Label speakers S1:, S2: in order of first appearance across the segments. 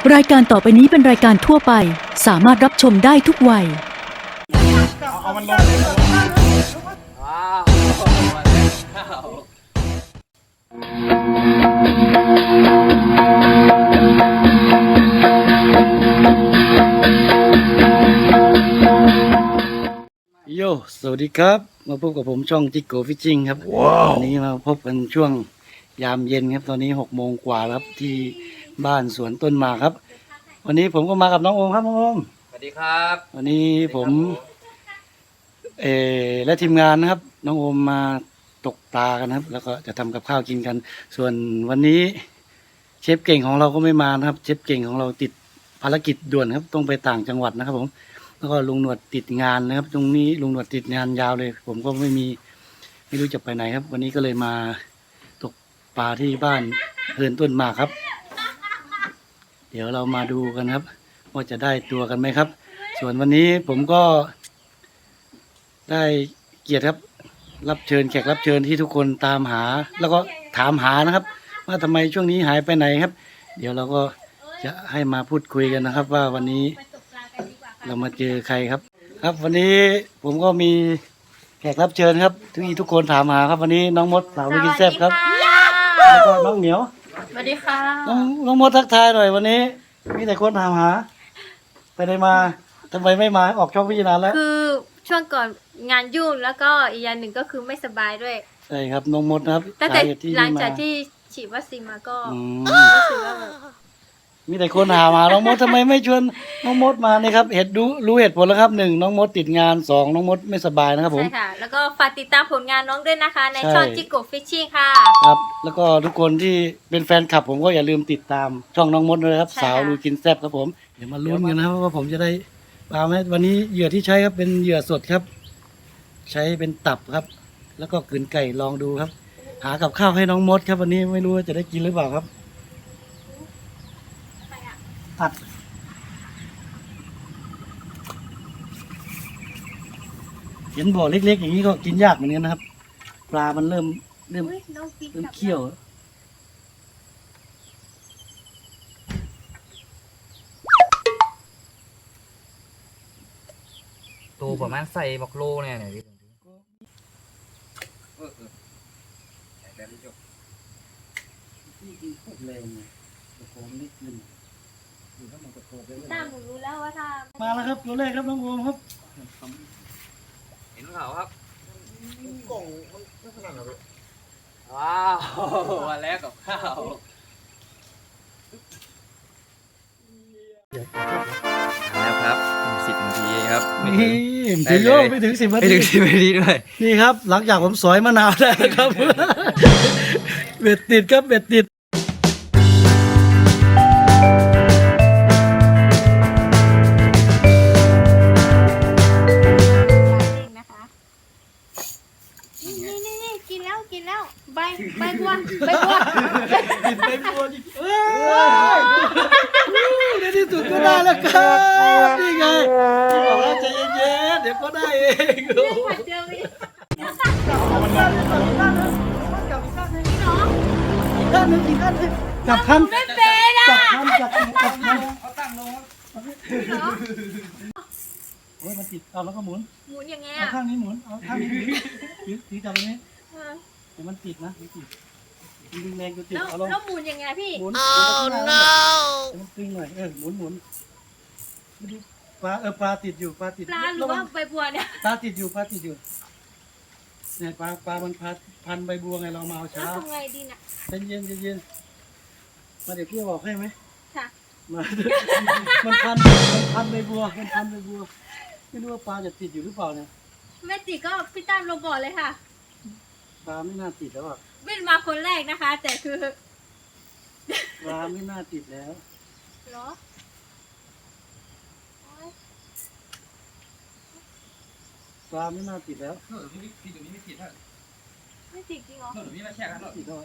S1: รายการต่อไปนี้เป็นรายการทั่วไปสามารถรับชมได้ทุกวัย
S2: เอามันลงว้าว
S3: โยสวัสดีครับมาพบกับผมช่องจิกโกฟิชชิ่งครับวันนี้มาพบกันช่วงยามเย็นครับตอนนี้6 โมงกว่าแล้วครับที่บ้านสวนต้นหมากครับวันนี้ผมก็มากับน้องโอมครับน้องโอม
S2: สวัสดีครับ
S3: วันนี้ผมและทีมงานนะครับน้องโอมมาตกปลากันครับแล้วก็จะทำกับข้าวกินกัน ส่วนวันนี้เชฟเก่งของเราก็ไม่มานะครับเชฟเก่งของเราติดภารกิจด่วนครับต้องไปต่างจังหวัดนะครับผมแล้วก็ลุงหนวดติดงานนะครับตรงนี้ลุงหนวดติดงานยาวเลยผมก็ไม่รู้จะไปไหนครับ วันนี้ก็เลยมาตกปลาที่บ้านเฮินต้นหมากครับเดี๋ยวเรามาดูกันครับว่าจะได้ตัวกันไหมครับส่วนวันนี้ผมก็ได้เกียรติครับรับเชิญแขกรับเชิญที่ทุกคนตามหาแล้วก็ถามหานะครับว่าทำไมช่วงนี้หายไปไหนครับเดี๋ยวเราก็จะให้มาพูดคุยกันนะครับว่าวันนี้เรามาเจอใครครับครับวันนี้ผมก็มีแขกรับเชิญครับที่ทุกคนถามหาครับวันนี้น้องมดสาวกินแซ่บครับแล้วก็น้องเหมียว
S4: สวัสดีค่ะ
S3: น้องมดทักทายหน่อยวันนี้มีแต่คนถามหาไปไหนมาทำไมไม่มาออกช่องพี่นานแล้ว
S4: คือช่วงก่อนงานยุ่งแล้วก็อีกอย่างหนึ่งก็คือไม่สบายด้วย
S3: ใช่ครับน้องมดนะครับ
S4: ตั้งแต่หลังจากที่ฉีดวัคซีนมาก็รู้สึกว่าแบบ
S3: มีแต่คนถามหาน้องมดทำไมไม่ชวนน้องมดมานี่ครับรู้เหตุผลแล้วครับ1น้องมดติดงาน2น้องมดไม่สบายนะครับผม
S4: ใช่ค่ะแล้วก็ฝากติดตามผลงานน้องด้วยนะคะในช่องจิกโกฟิชชิ่งค่ะ
S3: ครับแล้วก็ทุกคนที่เป็นแฟนคลับผมก็อย่าลืมติดตามช่องน้องมดด้วยครับสาวลุยกินแซ่บครับผมเดี๋ยวมาลุ้นกันนะครับว่าผมจะได้ปลาไหมวันนี้เหยื่อที่ใช้ครับเป็นเหยื่อสดครับใช้เป็นตับครับแล้วก็กลืนไก่ลองดูครับหากับข้าวให้น้องมดครับวันนี้ไม่รู้ว่าจะได้กินหรือเปล่าครับตัดเห็นบ่อเล็กๆอย่างนี้ก็กินยากเหมือนกันนะครับปลามันเริ่มเคี่ยว
S2: ตัวประมาณใส่บักโลเนี่ยพี่แบบนี้จบ
S3: ที่กินโคตรแรงเลยตะโกนนิดนึงอยู่ถ้ามันตะโกนไปเลย
S4: ตามหนูรู้แล้วว่าถ้า
S3: มาแล้วครับตัวแรกครับน้องโอมครับ
S2: เห็นเขาครับกล่องมันไม่ขนาดนั้นเลยว้าววันแรกกับข้าวแล้วครับ10 นาทีครับ
S3: นี่ถึงโยไม่ถึง10 นาที
S2: ไม่ถึง10 นาทีด้วย
S3: นี่ครับหลังจากผมสอยมะนาวได้ครับเบ็ดติดครับเบ็ดติด
S4: นี่กินแล้วใบบัว
S3: กินใบบัวจริงในที่สุดก็ได้แล้วครับนี่ไงบอกแล้วใจเย็นๆเดี๋ยวก็ได้เอง
S4: เจออีก
S3: ด้านนึงอีกด้านนึงจับคัน
S4: ไม่เป็นอ่ะ
S3: จับคัน
S2: เขาตั้งลง
S3: โอ้ยมันติดเอาแล้วก็หมุน
S4: ยังไง
S3: เอา
S4: อ่ะ
S3: ข้างนี้หมุนเอาข้างนี้ถือจับตรงนี้แต่มันติดนะมันติดดึงแรงจนติดเอาลง
S4: แล้วหมุนยังไงพี่
S3: หมุนมันตึงหน่อยหมุนไม่ดูปลาติดอยู่ปลาติด
S4: ปลาหรือว่าใบบัวเนี่ย
S3: ปลาติดอยู่เนี่ยปลามันพันใบบัวไงเรามาเอาช้า
S4: แล้วทำไงดีน่ะ
S3: เย็นมาเดี๋ยวพี่บอกให้ไหม
S4: ค่ะ
S3: มามันพันใบบัวไม่รู้ว่าปลาจะติดอยู่หรือเปล่าเนี่ย
S4: ไม่ติดก็พี่ตั้มลงบ่อเลยค่ะ
S3: ปลาไม่น่าติดแล้วอ่ะ
S4: ไม่มาคนแรกนะคะแต่คือ
S3: ปลาไม่น่าติดแล้ว
S4: เหรอ
S3: ปลาไม่น่าติดแล้ว
S2: พี่ตรงนี้ไม่ติดฮะ
S4: ไม่ติดจริงเหรอ
S2: ตรงนี้มาแช่กันหรอ
S3: ติดแล้ว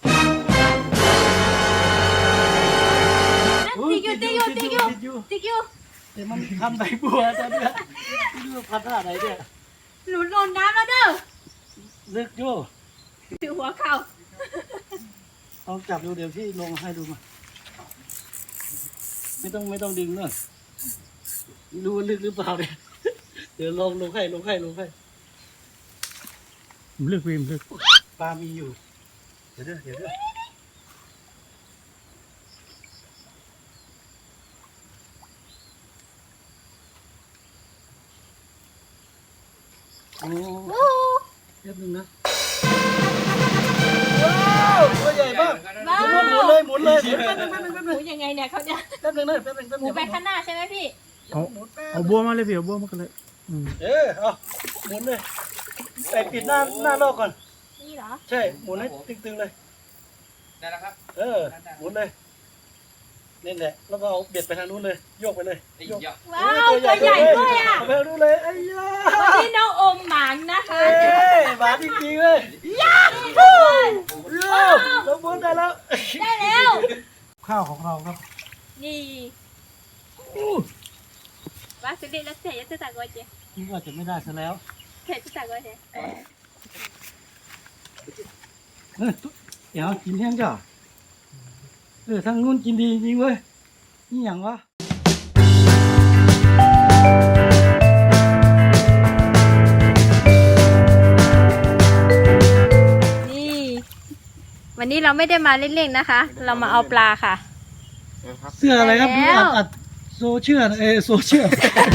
S4: ติดอยู่
S3: แต่มันพันใบบัวตอนนี้ไม่รู้พันท่าไหนเนี่ย
S4: หนูโดนน้ำแล้วเด้อ
S3: ลึกอยู่
S4: ถือหัวเข่า
S3: ลองจับดูเดี๋ยวพี่ลงให้ดูมาไม่ต้องดึงเนอะไม่รู้ว่าลึกหรือเปล่าเนี่ยเดี๋ยวลงให้
S5: ลึกวิมลึก
S3: ปลามีอยู่เดี๋ยวโอ้แป๊บนึงนะว้าวตัวใหญ่มาก
S4: ว้าว
S3: หมุนเลยแป๊บนึง
S4: หมูยังไงเนี่ยเขาเนี่ย
S3: แป๊บนึง
S4: หมูไปข้างหน้าใช่ไหมพี่
S5: เอาบัวมาเลยพี่เอาบัวมากันเลยอืม
S3: เอาหมุนเลยใส่ปิดหน้าลอกก่อน
S4: นี่เหรอ
S3: ใช่หมุนให้ตึงๆเลย
S2: ได้แล้วครับ
S3: หมุนเลยนี่แหละแล้วก็เอาเบียดไปทางนู้นเลยโยกไปเลย
S2: ไอ้
S3: โยก
S2: เหี้ย
S4: ว้าวตัวใหญ่ด้วยอ่ะ
S3: เอาไปทางนู้นเลยไอ้ยา
S4: วันนี้น้องอมหมางนะคะ
S3: หมาจริงๆเลย
S4: ทุกคน
S3: เราหมุนได้แล้ว
S4: ได้แล้ว
S3: ข้าวของเราครับ
S4: นี่ว่าสุดฤทธิ์แล้วเสียจะตักไว้เจ๊
S3: นี่ก็จะไม่ได้ซะแล้ว
S4: เสียจะตักไว้เจ๊
S3: เดี๋ยวกินแห้งจ้ะทางนู้นกินดีจริงเว้ยนี่อย่างวะ
S4: นี่ วันนี้เราไม่ได้มาเล่นๆนะคะ เรามาเอาปลาค่ะ
S3: เสื้ออะไรครับ
S4: ได้แล้ว
S3: อัดโซเชียลโซเชียล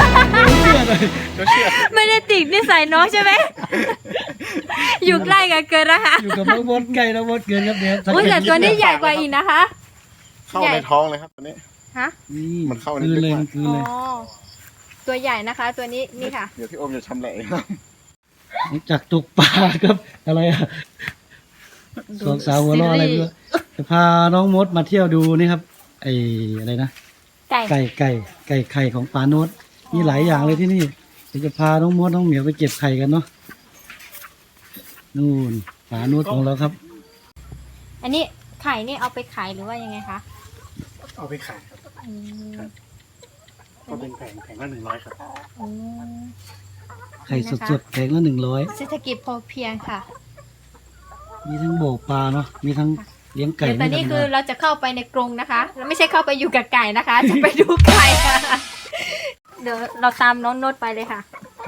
S4: ไม่ได้ติดนิสัยน้องใช่ไหม อยู่ใกล้กันเกินนะคะ
S3: อยู่กับน้องบดไก่น้องบดเกินครับเดี๋ยว
S4: อุ้ยแต่ตัวนี้ใหญ่กว่าอีกนะคะ
S6: เข้าในท้องเลยครับตัวนี้
S4: ฮะ
S3: นี่
S6: มันเข้าใน
S3: คืนเลย
S6: ลึกมาก
S3: มันคืน
S4: อ๋อ
S3: เลย
S4: ตัวใหญ่นะคะ ตัวนี้นี่ค่ะ
S6: เดี๋ยวพี่โอมจะชำแหละครับ
S3: หลังจากตกปลาครับอะไรอะสองสาวหัวเร้ออะไรไม่รู้จะพาน้องมดมาเที่ยวดูนี่ครับไอ้อะไรนะ
S4: ไก่
S3: ไก่ไข่ของปลาโนดมีหลายอย่างเลยที่นี่เดี๋ยวจะพาน้องมดน้องเหมียวไปเก็บไข่กันเนาะนู่นปลาโนดของเราครับ
S4: อันนี้ไข่นี่เอาไปขายหรือว่ายังไงคะ
S5: เอาไปขายครับ
S4: อืม
S5: ก็เป็นแผงละ100ครับ
S4: อืม
S3: ไข่สดๆแพงละ100
S4: เศรษฐกิจพอเพียงค่ะ
S3: มีทั้งโบกปลาเนาะมีทั้งเลี้ยงไก่
S4: เดี๋ยวตอนนี้
S3: ไม่ธรรมดา
S4: คือเราจะเข้าไปในกรงนะคะเราไม่ใช่เข้าไปอยู่กับไก่นะคะ จะไปดูไก่ค่ะ เดี๋ยวเราตามน้องโนดไปเลยค่ะ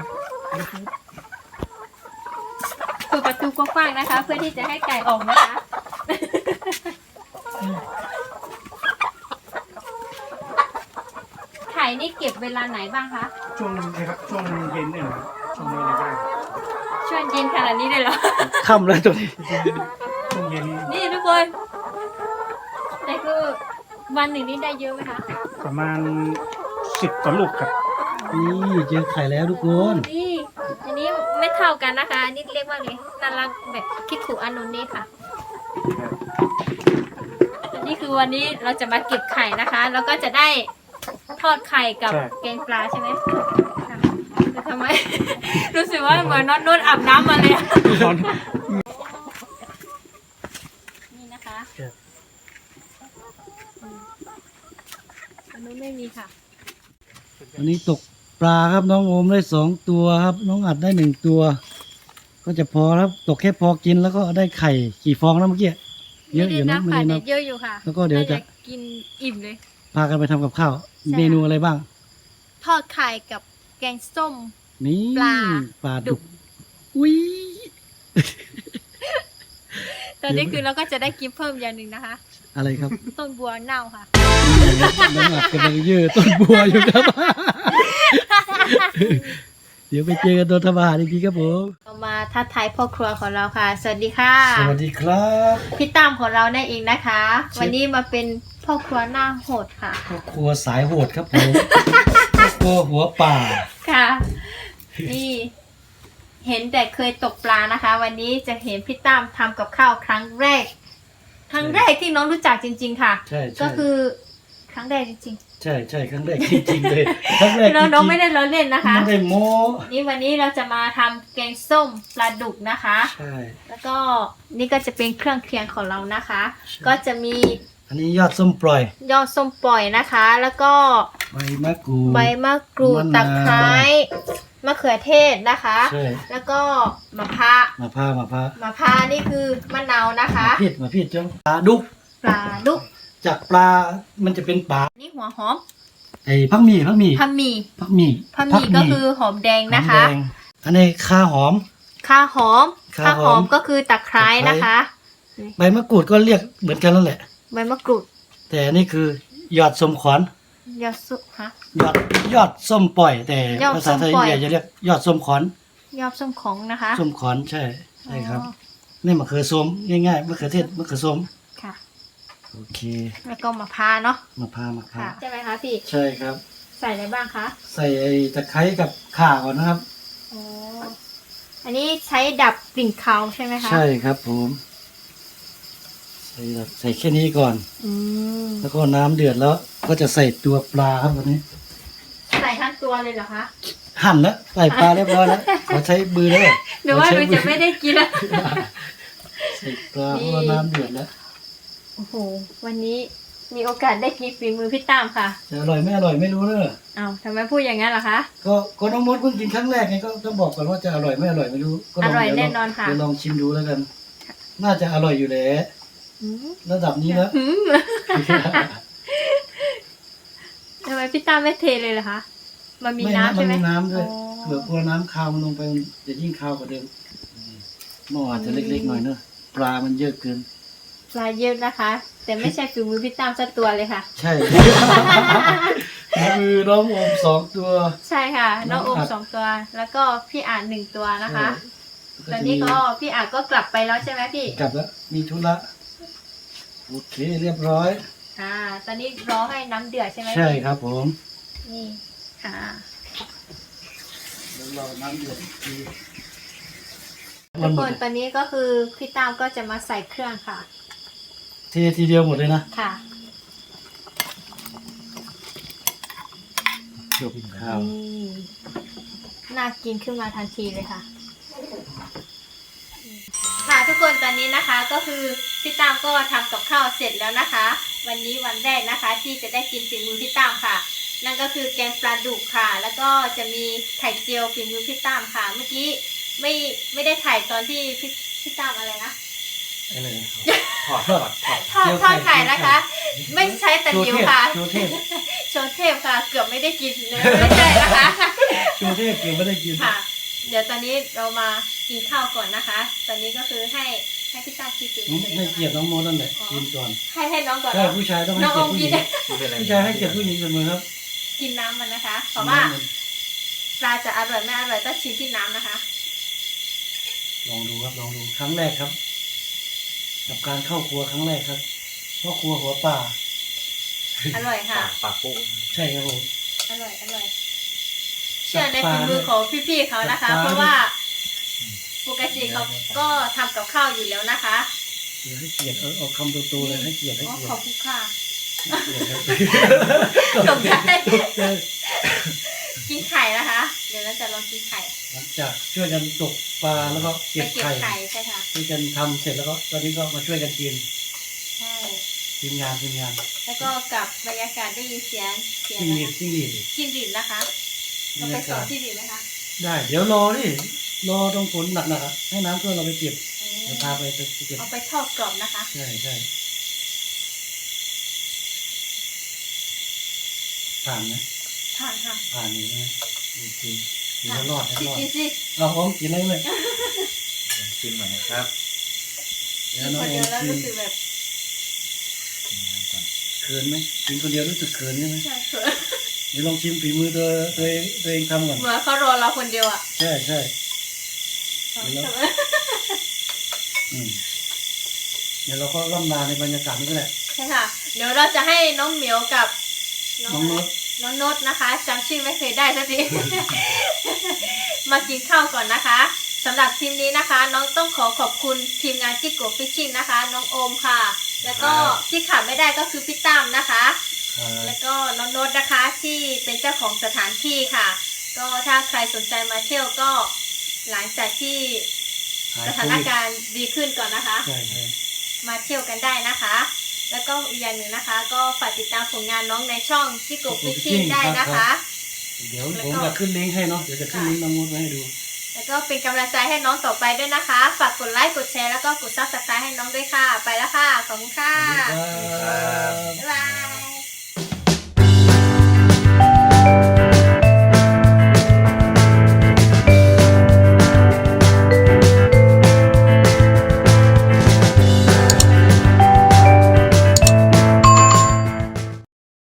S4: เปิดประตูกว้างๆนะคะ เพื่อที่จะให้ไก่ออกนะคะ ไข่นี่เก็บเวลาไหนบ้างคะ
S5: ช่วงนะครับช่วงเย็นเนี่ยนะช่วงนี้อะไรบ้าง
S4: ช่วงเย็นขนาดนี้เลยเหรอ
S3: ค่ำแล้วตัวนี้
S5: ช่วงเย็น
S4: นี่ทุกคนแต่คือวันหนึ่งนี่ได้เยอะไหมคะ
S5: ประมาณ10 กว่าลูกครับ
S3: นี่เจอไข่แล้วทุกคน
S4: นี่อันนี้ไม่เท่ากันนะคะอันนี่เรียกว่าไงน่ารักแบบคิดถูกอนุนี่ค่ะอันนี้คือวันนี้เราจะมาเก็บไข่นะคะ แล้วก็จะได้ทอดไข่กับแกงปลาใช่ไหมค่ะแต่ทำไม รู้สึกว่าเหมือนน้องนุ่นอาบน้ำมาเลยอะนี่นะคะอันนู้นไม่มีค่ะ
S3: วันนี้ตกปลาครับน้องโอมได้2 ตัวครับ น้องอัดได้1 ตัว ก็จะพอครับตกแค่พอกินแล้วก็ได้ไข่กี่ฟองแล้วเมื่อกี้เยอะอยู่นะ
S4: ไม่
S3: ไม่
S4: ได้
S3: ได้
S4: นั
S3: นั
S4: บบ ค่ะเยอะอยู่ค่ะ
S3: แล้วก็เดี๋ยวจะ
S4: น่ากินอิ่มเลย
S3: พากันไปทำกับข้าว
S4: ใช่
S3: เมนูอะไรบ้าง
S4: ทอดไข่กับแกงส้ม
S3: นี่
S4: ปลาดุ
S3: ดุ
S4: ก
S3: กอุ้ย
S4: ตอนนี้คือเราก็จะได้กินเพิ่มอย่างหนึ่งนะคะ
S3: อะไรครับ
S4: ต้นบัวเน่าค่ะ
S3: น้องอัดกำลังยืดต้นบัวอยู่ครับ เดี๋ยวไปเจอกันตัวทบาทอีกทีครับผม
S4: เรามาทักทายพ่อครัวของเราค่ะ สวัสดีค่ะ
S3: สวัสดีครับ
S4: พี่ตั้มของเรานั่นเองนะคะ
S3: เชฟ
S4: วันนี้มาเป็นพ่อครัวหน้าโหดค่ะ
S3: ครอบครัวสายโหดครับผมครอบครัวหัวป่า
S4: ค่ะ นี่ เห็นแต่เคยตกปลานะคะ วันนี้จะเห็นพี่ตั้มทำกับข้าวครั้งแรก ครั้งแรกที่น้องรู้จักจริง ๆ ค่ะ
S3: ใช่ใช่
S4: ก็คือครั้งแรกจริง
S3: ใช่ใช่ครั้งแรกจริงๆเลยครั้งแรก
S4: ๆน้องๆไม่ได้ล้อเล่นนะคะ
S3: ไม่ได้โม้
S4: นี่วันนี้เราจะมาทำแกงส้มปลาดุกนะคะ
S3: ใช่
S4: แล้วก็นี่ก็จะเป็นเครื่องเคียงของเรานะคะ
S3: ใช่
S4: ก็จะมี
S3: อันนี้ยอดส้มปล่อย
S4: ยอดส้มปล่อยนะคะ แล้วก็
S3: ใบมะกรูด
S4: ใบมะกรูด
S3: มะนาว
S4: ตะไคร้มะเขือเทศนะคะ
S3: ใช่
S4: แล้วก็มะพร้าว
S3: มาพร้าว
S4: มะพร้าวนี่คือมะนาวนะคะ
S3: มาผิดจังปลาดุก
S4: ปลาดุก
S3: จากปลามันจะเป็นปลา
S4: นี่หัวหอม
S3: ไอ้พักหมี่
S4: ผักหมี่
S3: ผักหมี่
S4: ก็คือหอมแดงนะคะ
S3: หอมแดงอันนี้ข่าหอม
S4: ข่าหอม
S3: ข่าหอม
S4: ก็คือตะไคร้นะคะ
S3: ใบมะกรูดก็เรียกเหมือนกันแล้วแหละ
S4: ใบมะกรูด
S3: แต่อันนี่คือหยอดส้มขวัญ
S4: ยอดสุฮะ
S3: ยอดส้มปล่อย แต่
S4: ยอด
S3: ภาษาไทย
S4: ส้มปล่อย
S3: จะเรียกยอดส้มขวัญ
S4: ยอดส้มของนะคะ
S3: ส้มขวัญใช่ครับ
S4: อ๋อ
S3: นี่มะเขือส้มง่ายๆมะเขือเทศมะเขือส้ม
S4: ค่ะ
S3: โอเค
S4: แล้วก็มะพร้าวเนาะ
S3: มะพร้าว
S4: ค่ะใช่ไหมคะพี่
S3: ใช่ครับ
S4: ใส่อะไรบ้างคะ
S3: ใส่ไอ้ตะไคร้กับข่าก่อนนะครับ
S4: อ๋ออันนี้ใช้ดับกลิ่นคาวใช่ไหมคะ
S3: ใช่ครับผมใส่แค่นี้ก่อน
S4: อืม
S3: แล้วก็น้ำเดือดแล้วก็จะใส่ตัวปลาครับวันนี้
S4: ใส่ทั้งตัวเลยเหรอคะ
S3: หั่นแล้วใส่ปลาเรียบร้อยแล้วขอใช้มือแล้ว
S4: หรือว่าหนูจะไม่ได้กินละ
S3: ใส่ปลาเพราะว่าน้ำเดือดแล้ว
S4: โอ้โห วันนี้มีโอกาสได้กินฝีมือพี่ตามค่ะ
S3: จะอร่อยไม่อร่อยไม่รู้เนอะ
S4: อ้าวทำไมพูดอย่างนั้นล่ะคะ
S3: ก็น้องมดเพิ่งกินครั้งแรกไงก็ต้องบอกก่อนว่าจะอร่อยไม่อร่อยไม่รู้ก็ลง
S4: อร่อย
S3: เดี๋ว
S4: แน่นอนค่ะ
S3: เดี๋ยวลองชิมดูแล้วกัน น่าจะอร่อยอยู่แหละ
S4: อืม
S3: ระดับนี้แล้ว
S4: หืมทำไมพี่ตามไม่เทเลยล่ะคะ มันมีน้ำใช่ไหม
S3: มันมีน้ำด้วย
S4: อ๋อ
S3: เผื่อกลัวน้ำคาวมันลงไปจะยิ่งคาวกว่าเดิมหม้ออาจจะเล็กๆหน่อยเนอะปลามันเยอะเกิน
S4: ปลาเยอะนะคะ แต่ไม่ใช่ฝีมือพี่ตามสักตัวเลยค่ะ
S3: ใช่ มือน้องโอม2 ตัว
S4: ใช่ค่ะ น้องโอม
S3: น้องอัด
S4: 2 ตัว แล้วก็พี่อ่าน1 ตัวนะคะ
S3: ใช่
S4: ตอนนี้ก็พี่อ่านก็กลับไปแล้วใช่ไหมพี่
S3: กลับแล้วมีธุระโอเคเรียบร้อย
S4: ตอนนี้รอให้น้ำเดือดใช่ไหม
S3: ใช่
S4: พี่
S3: ครับผม
S4: นี่ค่ะ
S3: เดี๋ยวรอน้ำเดือดอีกที
S4: ทุกคนตอนนี้ก็คือพี่ตามก็จะมาใส่เครื่องค่ะ
S3: เททีเดียวหมดเลยนะ
S4: ค่ะ
S3: จบข้าว
S4: นี่น่ากินขึ้นมาทันทีเลยค่ะ ค่ะทุกคนตอนนี้นะคะก็คือพี่ตามก็ทำกับข้าวเสร็จแล้วนะคะ วันนี้วันแรกนะคะ ที่จะได้กินฝีมือพี่ตามค่ะ นั่นก็คือแกงปลาดุกค่ะ แล้วก็จะมีไข่เจียวฝีมือพี่ตามค่ะ เมื่อกี้ไม่ได้ถ่ายตอนที่พี่ตามอะไรนะ
S3: อะไรนะ
S2: ถอด
S4: ทอดไข่นะคะ ไม่ใช้ตะหลิวค่ะ
S3: โชว์เทพ
S4: โชว์เทพค่ะ เกือบไม่ได้กินเลยไม่ใช่นะคะ
S3: โชว์เทพเกือบไม่ได้กิน
S4: ค่ะ เดี๋ยวตอนนี้เรามากินข้าวก่อนนะคะ ตอนนี้ก็คือให้พี่ตาคิดถึง
S3: ให้เกียรติน้องโมนั่นแหละกินก่อน
S4: ให้น้องก่อน
S3: ใช่
S4: เนาะ
S3: ผู้ชายต้องให้
S4: น้อง
S3: เกี
S4: อย
S3: ร
S4: ม
S3: ติผู้ห
S4: กิ
S3: ญิ
S4: น
S3: งผู้ชายให้เกียรติผู้หญิงเสมอครับ
S4: กินน้ำมันนะคะ เพราะว่าปลาจะอร่อยไม่อร่อยต้องชิมที่น้ำนะคะ
S3: ลองดูครับลองดูครั้งแรกครับ กับการเข้าครัวครั้งแรกครับพ่อครัวหัวป่า
S4: อร่อยค่ะ
S2: ปากปู
S3: ใช่ครับผม
S4: อร่อยเชื่อในฝีมือของพี่ๆเขานะคะ เพราะว่าปกติเขาก็ทำกับข้าวอยู่แล้วนะคะ
S3: เดี๋ยวให้เกียรติเอาคำโตๆเลยให้เกียรติให้
S4: อ๋อ
S3: เกียร
S4: ขอบ
S3: ติ
S4: คุณค่ะ
S3: ตกใจ
S4: กินไข่นะคะ เดี๋ยวเราจะลองกินไข่
S3: หลังจากช่วยกันตกปลาแล้วก็
S4: ไป
S3: เก็บ
S4: เก็บ
S3: ไข่
S4: ไข่ใช่ค่ะ
S3: ช่วยกันทำเสร็จแล้วก็ตอนนี้ก็มาช่วยกันกิน
S4: ใช่
S3: ทีมงาน
S4: แล้วก็กับบรรยากาศได้ยินเสียง
S3: จิ้งหรีด
S4: จิ้งหรีดนะคะเราไปสอนจิ้งหรีดไหมคะ
S3: ได้เดี๋ยวรอตรงฝนหนักๆอะให้น้ำท่วมเราไปเก็บเดี๋ยวพาไปเก็บ
S4: เอาไปทอดกรอบนะคะ
S3: ใช่ผ่านนะ
S4: ผ่านค่ะ
S3: ผ่านอยู่นะโอเคถือว่ารอดนะ
S4: สิ
S3: รอด
S4: กินสิ
S3: เอาอมกินอะไรเลย
S2: ชิมหน่อยนะครับ
S3: เดี๋
S4: กิ
S3: ยวน น้อ
S4: ค
S3: ง
S4: น
S3: เอ็
S4: เดียว
S3: ม
S4: แล้ว
S3: กิน
S4: รู้สึกแบบ
S3: เขินไหมกินคนเดียวรู้สึกเขินใช่ไหม
S4: ใช่เขิน
S3: เดี๋ยวลองชิมฝีมือตัวเองทำก่อน
S4: เหมือนเขารอเราคนเดียวอ่ะ
S3: ใช่อืมเดี๋ยวเราก็ล่ำลาในบรรยากาศนี้ก็แหละ
S4: ใช่ค่ะ เดี๋ยวเราจะให้น้องเหมียวกับ
S3: น้องโน้ต
S4: น้องโนตนะคะจำชื่อไม่เคยได้สักที มากินข้าวก่อนนะคะสำหรับทีมนี้นะคะ น้องต้องขอบคุณทีมงานจิโกฟิชชิ่งนะคะ น้องโอมค่ะ แล้วก็ที่ขาดไม่ได้ก็คือพี่ตั้มนะคะ แล้วก็น้องโน้ตนะคะที่เป็นเจ้าของสถานที่ค่ะ ก็ถ้าใครสนใจมาเที่ยวก็หลังจากที่สถานการณ์ดีขึ้นก่อนนะคะ
S3: ใช่
S4: มาเที่ยวกันได้นะคะ แล้วก็อีกอย่างหนึ่งนะคะ ก็ฝากติดตามผลงานน้องในช่องจิโกฟิชชิ่งได้นะคะ
S3: เดี๋ยวผมจะขึ้นลิงก์ให้เนาะเดี๋ยวจะขึ้นลิงก์น้องโน้ตไว้ให้ดู
S4: แล้วก็เป็นกำลังใจให้น้องต่อไปด้วยนะคะฝากกดไลค์กดแชร์แล้วก็กดซับสไครต์ให้น้องด้วยค่ะ ไปแล้วค่ะขอบคุณค่ะ
S3: สวัสดีครับ